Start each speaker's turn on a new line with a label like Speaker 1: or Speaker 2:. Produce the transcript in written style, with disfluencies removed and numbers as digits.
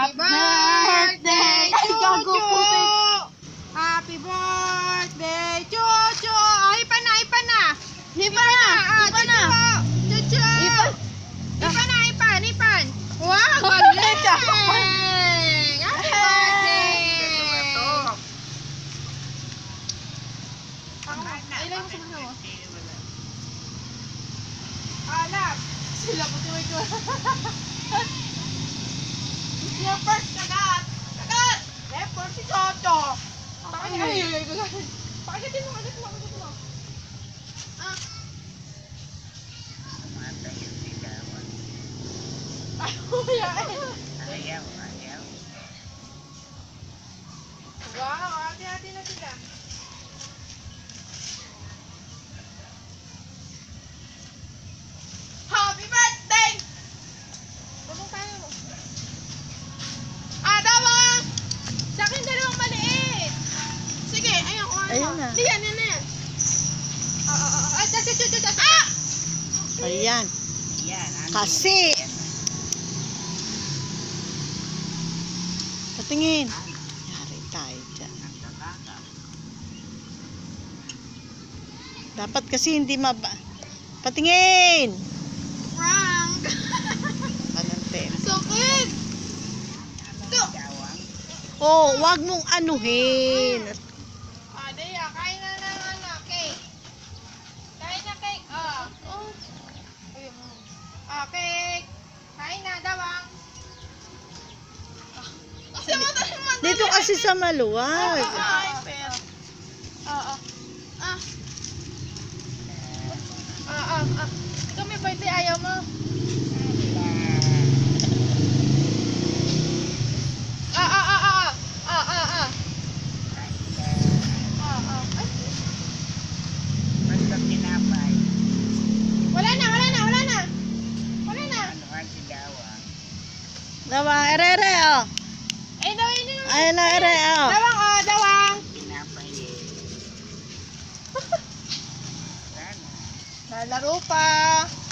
Speaker 1: Happy birthday, Chuchu! Happy birthday, Chuchu! Oh, ipa na, ipa na! Ipa na! Ipa na! Chuchu! Ipan na, ipan, ipan! Wow, galing! Happy birthday! Ilan mo sa mga mo? Alam! Sila puti-puti ko. Yung first kagat! Kagat! Eh, first si Chocho! Pakagitin mo, kagat mo, kagat mo. Ah!
Speaker 2: Ayaw, ayaw.
Speaker 1: Wow, hati-hati na sila. Happy birthday! Tulong tayo. Dawang! Sa akin dalawang maliit. Sige, ayun ko.
Speaker 3: Ayun na.
Speaker 1: Hindi, yan, yan, yan. Ay,
Speaker 3: Ayan.
Speaker 2: Yan.
Speaker 3: Kasi. Patingin. Yari tayo dyan. Dapat kasi hindi Patingin!
Speaker 1: Frank!
Speaker 3: Panantin.
Speaker 1: Sakit! Ito!
Speaker 3: Oh, wag mong anuhin.
Speaker 1: Daya, kain na ng cake. Kain na cake. Cake. Kain na, Dawang. Kasi madali.
Speaker 3: Dito kasi sa maluwag.
Speaker 1: Ikaw may birthday, ayaw mo?
Speaker 2: Basta tinapay.
Speaker 1: Wala na, wala na, wala na. Wala na.
Speaker 2: Ano ang sigawan?
Speaker 3: Dawang, ere, oh.
Speaker 1: Dawang yun yung...
Speaker 3: Ayun na, ere, oh.
Speaker 1: Dawang, Dawang.
Speaker 2: Tinapay eh. Sana.
Speaker 1: Lalaro pa.